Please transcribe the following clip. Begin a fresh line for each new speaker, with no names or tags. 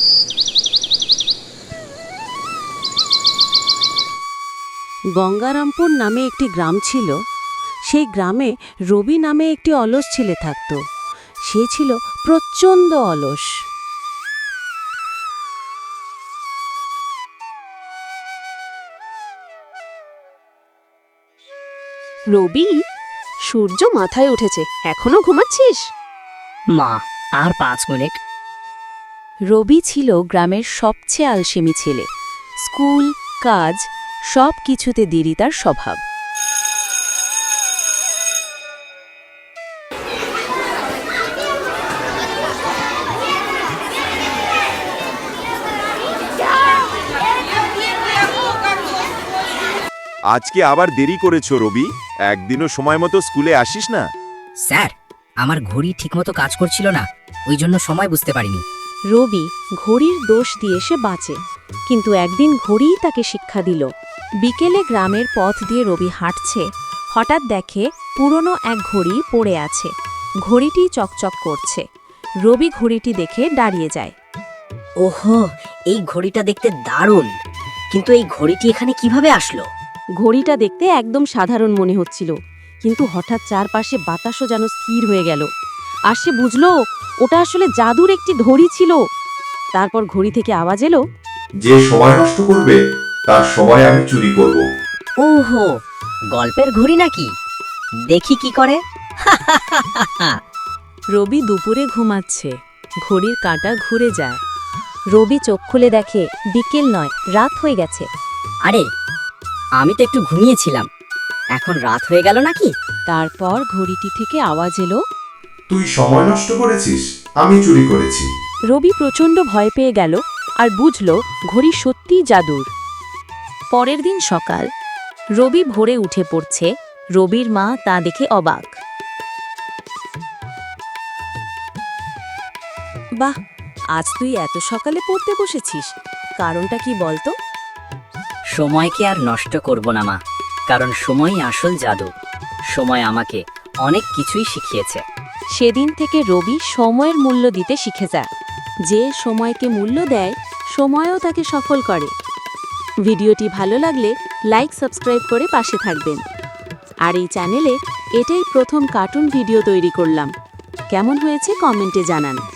গঙ্গারামপুর নামে একটি গ্রাম ছিল। সেই গ্রামে রবি নামে একটি অলস ছেলে থাকত। সে ছিল প্রচণ্ড অলস।
রবি, সূর্য মাথায় উঠেছে, এখনো ঘুমাচ্ছিস?
মা, আর 5 মিনিট।
রবি ছিল গ্রামের সবচেয়ে আলসেমি ছেলে। স্কুল, কাজ সব কিছুতে দেরি তার স্বভাব।
আজকে আবার দেরি করেছো রবি, একদিনও সময় মতো স্কুলে আসিস না।
স্যার, আমার ঘড়ি ঠিকমতো কাজ করছিল না, ওই জন্য সময় বুঝতে পারিনি।
রবি ঘড়ির দোষ দিয়ে সে বাঁচে, কিন্তু একদিন ঘড়িই তাকে শিক্ষা দিল। বিকেলে গ্রামের পথ দিয়ে রবি হাঁটছে, হঠাৎ দেখে পুরনো এক ঘড়ি পড়ে আছে। ঘড়িটি চকচক করছে। রবি ঘড়িটি দেখে দাঁড়িয়ে যায়।
ওহো, এই ঘড়িটা দেখতে দারুণ, কিন্তু এই ঘড়িটি এখানে কিভাবে আসলো?
ঘড়িটা দেখতে একদম সাধারণ মনে হচ্ছিল, কিন্তু হঠাৎ চারপাশে বাতাসও যেন স্থির হয়ে গেল। আর সে বুঝল ওটা আসলে জাদুর একটি ঘড়ি ছিল। তারপর ঘড়ি থেকে আওয়াজ এলো,
যে সময় নষ্ট করবে তার সময় আমি চুরি করব।
ওহো, গল্পের ঘড়ি নাকি? দেখি কি করে।
রবি দুপুরে ঘুমাচ্ছে, ঘড়ির কাঁটা ঘুরে যায়। রবি চোখ খুলে দেখে বিকেল নয়, রাত হয়ে গেছে।
আরে, আমি তো একটু ঘুমিয়েছিলাম, এখন রাত হয়ে গেল নাকি?
তারপর ঘড়িটি থেকে আওয়াজ এলো,
তুই সময় নষ্ট করেছিস, আমি চুরি করেছি।
রবি প্রচণ্ড ভয় পেয়ে গেল আর বুঝল ঘড়ি সত্যিই জাদুর। পরের দিন সকাল, রবি ভোরে উঠে পড়ছে। রবির মা তা দেখে অবাক। বাহ, আজ তুই এত সকালে পড়তে বসেছিস, কারণটা কি বলতো?
সময়কে আর নষ্ট করব না মা, কারণ সময়ই আসল জাদু। সময় আমাকে অনেক কিছুই শিখিয়েছে।
সেদিন থেকে রবি সময়ের মূল্য দিতে শিখে যায়। যে সময়কে মূল্য দেয়, সময়ও তাকে সফল করে। ভিডিওটি ভালো লাগলে লাইক, সাবস্ক্রাইব করে পাশে থাকবেন। আর এই চ্যানেলে এটাই প্রথম কার্টুন ভিডিও তৈরি করলাম। কেমন হয়েছে কমেন্টে জানান।